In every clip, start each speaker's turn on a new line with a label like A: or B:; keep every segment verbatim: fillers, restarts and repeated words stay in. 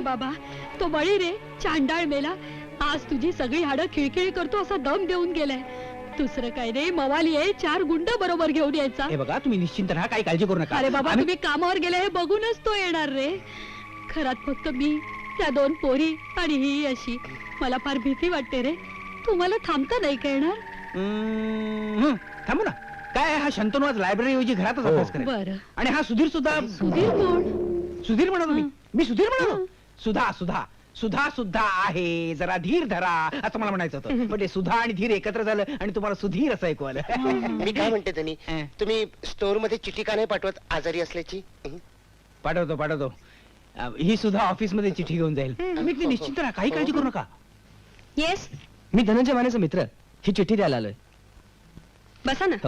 A: बाबा, तो बळी रे, चांडाळ मेला. आज तुझी सगळी हाडं खिळखिळी करतो असा दम देऊन गेलाय. दुसरं काय रे, मवाली आहे, चार गुंड बरोबर घेऊन यायचा.
B: हे बघा, तुम्ही निश्चिंत राहा, काही काळजी करू नका.
A: अरे बाबा,
B: आम्ही-
A: तुम्ही कामावर गेले हे बघूनच तो येणार रे. घरात फक्त मी, त्या दोन पोरी आणि ही अशी. मला फार भीती वाटते रे. तुम्हाला थांबता नाही का येणार?
B: हम्म, थांबू ना. काय हा शंतनू आज लायब्ररी ऐवजी घरातच अभ्यास करेल.
A: बरं.
B: आणि हा सुधीर सुद्धा.
A: सुधीर कोण?
B: सुधीर म्हणालो मी.
A: हं.
B: मी सुधीर म्हणालो.
A: हं.
B: सुधा सुधा सुधा सुद्धा आहे, जरा धीर धरा असं मला म्हणायचं होतं. पण ते सुधा आणि धीर एकत्र झालं आणि तुम्हाला सुधीर असं ऐकू आलं.
C: मी काय म्हणते त्यांनी,
B: हं.
C: तुम्ही स्टोअर मध्ये चिठ्ठी का नाही पाठवत आजारी असल्याची? हं?
B: पाठवतो पाठवतो. अ, ही सुद्धा ऑफिस मध्ये चिठ्ठी घेऊन जाईल. मी अगदी निश्चिंत राहा, काही काळजी करू नका.
A: येस,
D: मी धनंजय मानेचा मित्र, ही चिठ्ठी द्यायला आलोय.
A: बसा ना.
D: हो.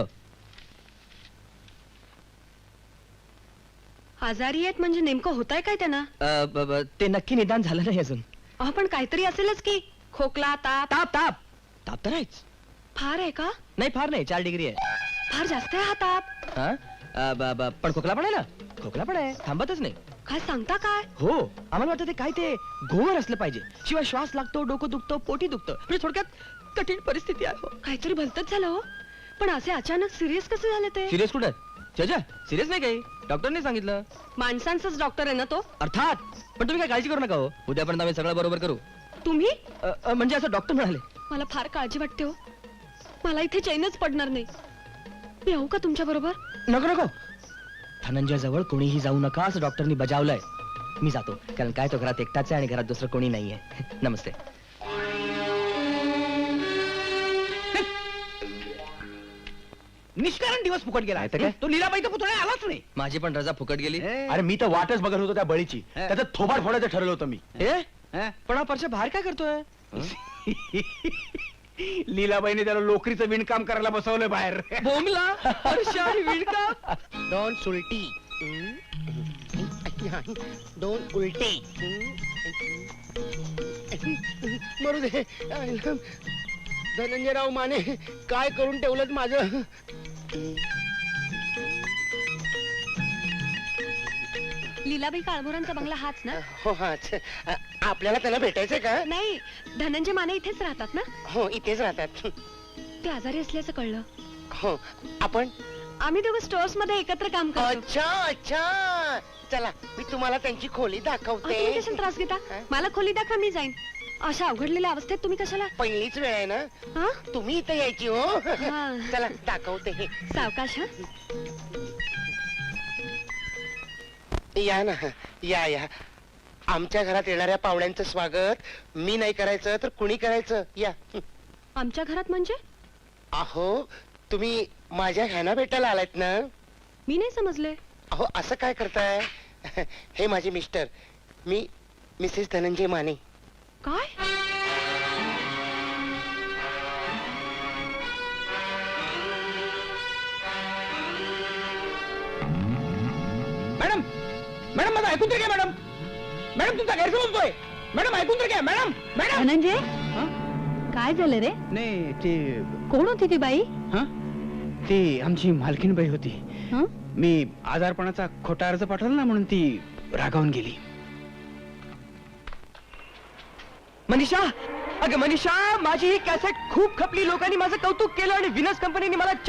A: आजारी आहेत म्हणजे नेमकं होतंय काय त्यांना?
D: अ, ब- ब- ते नक्की निदान झालं नाही अजून.
A: अहो, पण काहीतरी असेलच की. खोकला, ताप.
D: ताप ताप ताप तर आहेच.
A: फार आहे का?
D: नाही, फार नाही, चार डिग्री आहे.
A: फार जास्त आहे हा ताप.
D: हा? अ, ब- ब- पण खोकला पण आहे ना. खोकला पण आहे, थांबतच नाही.
A: काय सांगता काय?
D: हो, आम्हाला वाटतं ते काय ते गोवर असलं पाहिजे, शिवाय श्वास लागतो, डोकं दुखतं, पोटी दुखतं. म्हणजे थोडक्यात कठीण परिस्थिती आहे. हो.
A: काहीतरी भलतच झालं हो. पण असे अचानक सिरियस कसे झाले ते?
D: सिरियस कुठं? जजा सिरियस नाही काही, डॉक्टरने सांगितलं.
A: माणसांचाच डॉक्टर आहे ना तो?
D: अर्थात. पण तुम्ही काय काळजी करू नका हो, उद्यापर्यंत आम्ही सगळं बरोबर करू.
A: तुम्ही?
D: अ, अ, म्हणजे असं डॉक्टर म्हणाले.
A: मला फार काळजी वाटते हो. मला इथे चैनच पडणार नाही. मी येऊ का तुमच्या बरोबर?
D: नको नको, धनंजय जवळ कोणीही जाऊ नका असं डॉक्टरनी बजावलंय. मी जातो, कारण काय तो घरात एकटाच आहे आणि घरात दुसरं कोणी नाहीये. नमस्ते.
B: निष्कारण दिवस फुकट गेला. तो लीलाबाईचा पुतळा आलाच नाही.
D: माझी पण रजा फुकट गेली.
E: अरे मी तर वाटच बघत होतो त्या बळीची. त्याचं थोबाड फोडायचं ठरवलं होतं मी.
D: ए
B: हं?
D: पण हा परशा बाहेर काय करतोय?
B: लीलाबाईने त्याला लोकरीचं विणकाम करायला बसवलंय बाहेर.
D: बोमला परशा आणि विणकाम.
C: दोन सुलटी, हं? दोन उलटे, हं? मरू दे. धनंजयराव माने, काय करून ठेवलं माझं.
A: लीलाबाई काळभोरांचा बंगला हाच ना?
C: हो हा अच्छा. आपल्याला त्याला भेटायचंय का?
A: नाही, धनंजय माने इथेच राहतात ना?
C: हो इथेच राहतात.
A: ते आजारी असल्याचं कळलं.
C: हो आपण.
A: आम्ही दोघं स्टोअर्स मध्ये एकत्र काम करतो.
C: अच्छा अच्छा, चला मी तुम्हाला त्यांची खोली
A: अहो, तुम्ही
C: दाखवते.
A: कशाला त्रास घेता?
C: हं?
A: मला खोली दाखवा, मी जाईन. अशा अवघडलेल्या अवस्थेत तुम्ही कशाला?
C: पहिलीच वेळ आहे ना,
A: हा?
C: तुम्ही इथे यायची हो.
A: हा.
C: चला दाखवते हे.
A: सावकाश हा.
C: या ना, या या. आमच्या घरात येणाऱ्या पाहुण्यांचं स्वागत मी नाही करायचं तर कुणी करायचं? या.
A: आमच्या घरात म्हणजे?
C: अहो तुम्ही माझ्या ह्याना भेटायला आलात ना.
A: मी नाही समजले.
C: अहो असं काय करताय? हे माझे मिस्टर, मी मिसेस धनंजय माने.
A: काय?
B: मॅडम मॅडम माझं ऐकून तर घ्या. मॅडम मॅडम तुमचा गैरसमज होतोय. मॅडम ऐकून तर घ्या. मॅडम मॅडम
A: धनंजय,
B: हं?
A: काय झालं रे?
B: नाही ते
A: कोण होती ती बाई?
B: हा ती आमची मालकीनबाई होती.
A: हं?
B: मी आजारपणाचा खोटा अर्ज पाठवला ना, म्हणून ती रागावून गेली.
D: मनीषा, अगं मनीषा, माझी ही कॅसेट खूप खपली, लोकांनी माझं कौतुक केलं आणि विनस कंपनीने मला